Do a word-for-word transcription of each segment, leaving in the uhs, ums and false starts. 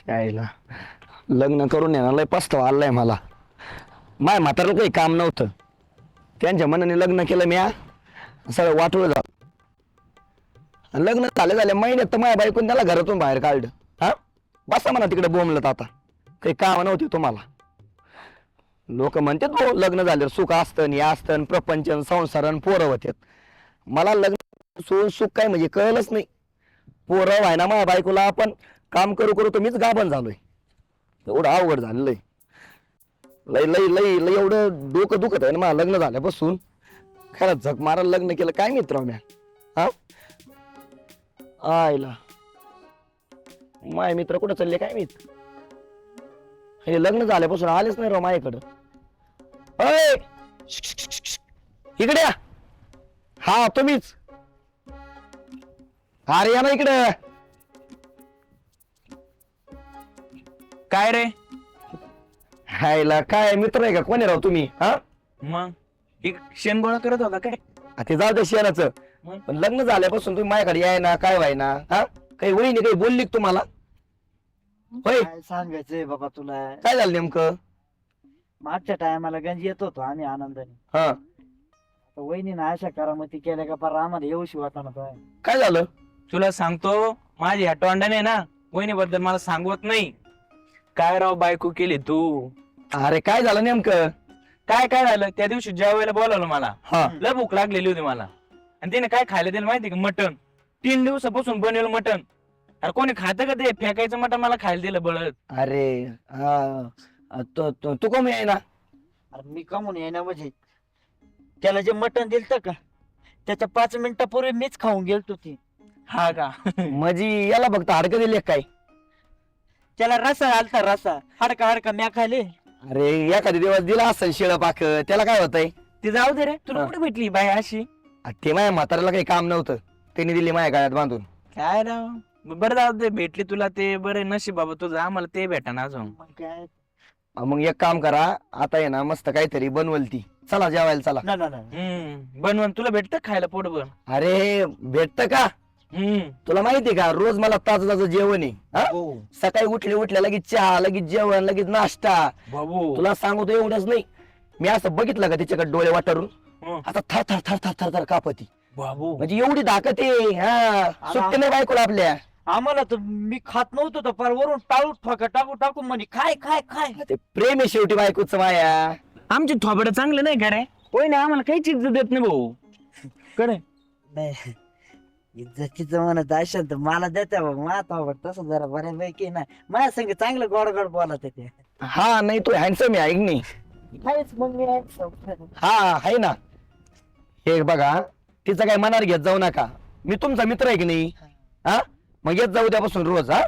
यायला लग्न करून येणार लय पस्तावा आलाय मला. माय म्हातारला काही काम नव्हतं, त्यांच्या मनाने लग्न केलं मी. सगळं वाटलं झालं. लग्न झाले झाले महिन्यात तर माझ्या बायकोने त्याला घरातून बाहेर काढलं. हा बसा म्हणा तिकडे बोंबलत, आता काही काम नव्हते तुम्हाला. लोक म्हणतात भाऊ लग्न झाल्यावर सुख असतं, हे असतं, प्रपंच संसार पोरं होत्यात. मला लग्न सोडून सुख काय म्हणजे कळलंच नाही. पोरं व्हाय ना माझ्या बायकोला, आपण काम करू करू तर मीच गाभण झालोय. एवढं अवघड झालेलं आहे. लय लय लय लय एवढं डोकं दुखत आहे ना मला लग्न झाल्यापासून. खरं झक मारायला लग्न केलं काय मित्र म्या. हा आयला माय मित्र कुठं चालले काय मित्र. हे लग्न झाल्यापासून आलेच नाही राव माझ्याकडं. अय इकडे या. हा तुम्हीच. अरे या ना इकडे. काय रे? हायला काय मित्र आहे का कोणी राव तुम्ही? हा मग एक शेण गोळा करत होता काय? आ, ते जाऊ दे शेणाचं. मग? पण लग्न झाल्यापासून तुम्ही माझ्याकडे याय ना काय व्हाय ना. हा काही वहिनी काही बोलली का तुम्हाला? होय काय सांगायचंय बाबा तुला. काय झालं नेमकं? मागच्या टायमाला गंज येत होतो आम्ही आनंदाने. हा आता वहिनीनं अशा करामती केल्या का पर आम्हाला येऊशी वाटणार काय. काय झालं? तुला सांगतो, माझी ह्या तोंडाने ना वहिनी बद्दल मला सांगवत नाही. काय राव बायको केली तू. अरे काय झालं नेमकं? काय काय झालं त्या दिवशी जेवायला बोलावलं मला. हा लय भूक लागलेली होती मला, आणि त्याने काय खायला दिलं माहिती का? मटण. तीन दिवसापासून बनवलं मटण. अरे कोणी खातं का ते? फेकायचं मटण मला खायला दिलं बळत. अरे हा तू तू- तू कमी आहे ना. अरे मी कमून येणार म्हणजे त्याला जे मटण दिलत का त्याच्या पाच मिनिटापूर्वी मीच खाऊन गेलतो ती. हा का? म्हणजे याला फक्त हाडकं दिले काय? त्याला रसा आलता रसा. हाडका हाडका म्या खाले. अरे एखादी दिवस दिला असेल शिळ पाक, त्याला काय होतंय? ते जाऊ दे रे. तुला हा. कुठे भेटली बाय अशी? आ, ते माझ्या म्हाताऱ्याला काही काम नव्हतं, त्यांनी दिली माझ्या गळ्यात बांधून. काय राव. बरं जाऊ दे, भेटली तुला ते बरं नशीब बाबा तुझं. आम्हाला ते भेटा ना अजून. मग काय. आ, मग एक काम करा, आता आहे ना मस्त काहीतरी बनवल ती. चला जेवायला चला. ना ना ना हम्म बनवून तुला भेटत खायला पोटभर? अरे भेटत का? हम्म तुला माहितीये का रोज मला ताजं ताजं जेवण आहे. हा? हो. सकाळी उठले उठल्या लगेच चहा, लगेच जेवण, लगेच नाश्ता. बाबू. तुला सांगतो एवढंच नाही, मी असं बघितलं का तिच्याकडे डोळे वाटारून हं. आता थर थर थर थर थर थर कापती. बाबू. म्हणजे एवढी ताकद आहे. हा सुट्टी नाही बायकोला आपल्या. आम्हाला तर मी खात नव्हतो तर पर वरून टाळू ठोका टाकू टाकू म्हणे खाय खाय खाय. ते प्रेम आहे शेवटी बायकोच माया. आमचे थोबडे चांगले नाही का रे? होय ना, आम्हाला काही चिज देत नाही भाऊ. कडे नाही इज्जतीचं म्हणत असेल तर मला देते बाबा. माझा आवड तसं जरा बऱ्यापैकी ना माझ्या संग चांगलं गोड गोड बोलत ते. हा नाही तू हँडसम आहे ऐक नाही. काहीच मग मी handsome. हा आहे ना. हे बघा तिचं काय मनावर घेत जाऊ नका, मी तुमचा मित्र आहे की नाही. हा मग येत जाऊ त्यापासून रोज. हा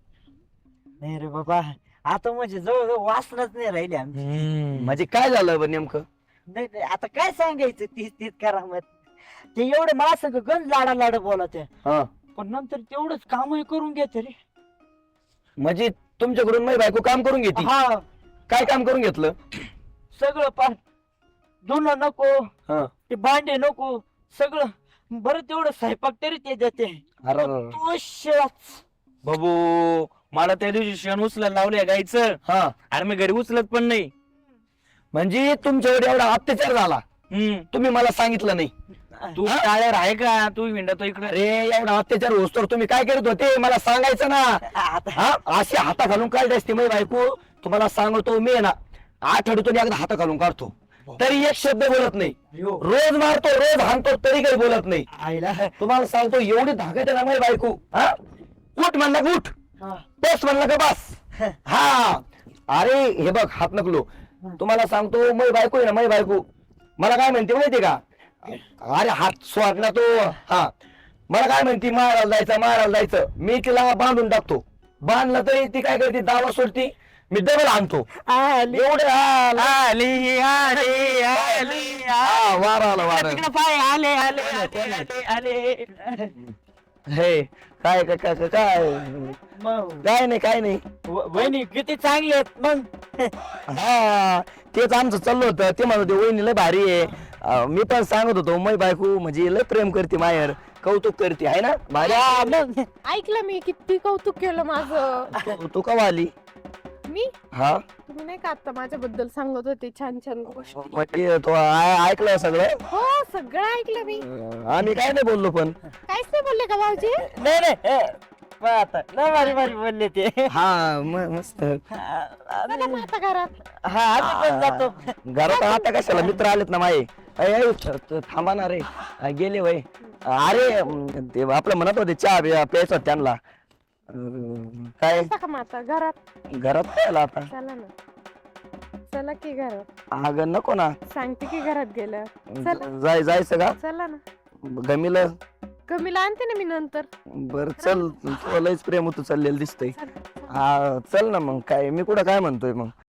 नाही रे बाबा आता म्हणजे जवळ वासनाच नाही राहिली आमची. म्हणजे काय झालं बरं नेमकं? नाही नाही, आता काय सांगायचं तीच तीच करामत. ते एवढे मला संग गंज लाडा लाड बोलत आहे. हा पण नंतर तेवढंच कामही करून घेते रे. म्हणजे तुमच्याकडून माझी बायको काम करून घेते? हा काय काम करून घेतलं? सगळं पार. धुणं नको, हा ते भांडे नको, सगळं. बरं तेवढं स्वयंपाक तरी ते देते. अरे तो शिळाच. बाबू मला त्या दिवशी शेण उचलायला लावले गायचं. हा अरे मी घरी उचलत पण नाही. म्हणजे तुमच्यावर एवढा अत्याचार झाला, हम्म तुम्ही मला सांगितलं नाही. तू टाळ्यावर आहे का? तू हिंडतो इकडे. अरे एवढा अत्याचार होतो तुम्ही काय करत होते मला सांगायचं ना. आता हा अशी हाता घालून काढली असते माझी बायको. तुम्हाला सांगतो मी आहे ना आठवड्यातून एकदा हाता घालून काढतो, तरी एक शब्द बोलत नाही. रोज मारतो, रोज हाणतो, तरी काही बोलत नाही. आईला तुम्हाला सांगतो एवढी धाकट आहे ना माझी बायको. हा उठ म्हणला का उठ, बस म्हणला का बस. हा अरे हे बघ हात नकलो. तुम्हाला सांगतो माझी बायको आहे ना माझी बायको मला काय म्हणते माहितीये का? अरे हात सोड ना तो. हा मला काय म्हणते मारायला जायचं मारायला जायचं. मी तिला बांधून टाकतो, बांधला तरी ती काय करते दावा सोडती, मी डबल आणतो. एवढे हाल. आली आली आली हा, वार आला वार. तिकडे पाय आले आले आले आले. हे काय काय काय काय मग काय नाही काय नाही. व- वहिनी किती चांगली आहेत मग. हा तेच आमचं चाललं होतं. ते म्हणत होते वहिनी लय भारी आहे. अं, मी पण सांगत होतो मै बायको म्हणजे लय प्रेम करते मायर. कौतुक करते आहे ना भारी. हा, मग ऐकलं मी किती कौतुक केलं माझं. तू- तू कवा आली? मी हा तुम्ही नाही का आता माझ्याबद्दल सांगत होते छान छान गोष्टी. म्हणजे तो आ- ऐकलं सगळं. हो सगळं ऐकलं मी. अं, आम्ही काय नाही बोललो पण. काहीच नाही बोलले का भाऊजी? नाही नाही हे, मग आता लय भारी भारी बोलले ते. हा म- मस्त. हा, चला मग आता घरात. हा, आम्ही पण जातो. घरात आता कशाला मित्र आलेत ना माये. अय, अय, त- थांबा ना रे. अ, गेले वय. अरे अं, ते आपलं म्हणत होते चहा बिया प्यायचा होता त्यांना. अं, काय चला का मग आता घरात. घरात काय आला आता? चला ना. चला की घरात. अगं नको ना. सांगते की घरात गेलं. चला. जाय जायचं का? चला ना. गमीला कमीला आणते ना मी नंतर. बर चल. तुला लयच प्रेम होतं चाललेलं दिसतंय. चला. हा चल ना मग काय मी कुठं काय म्हणतोय मग.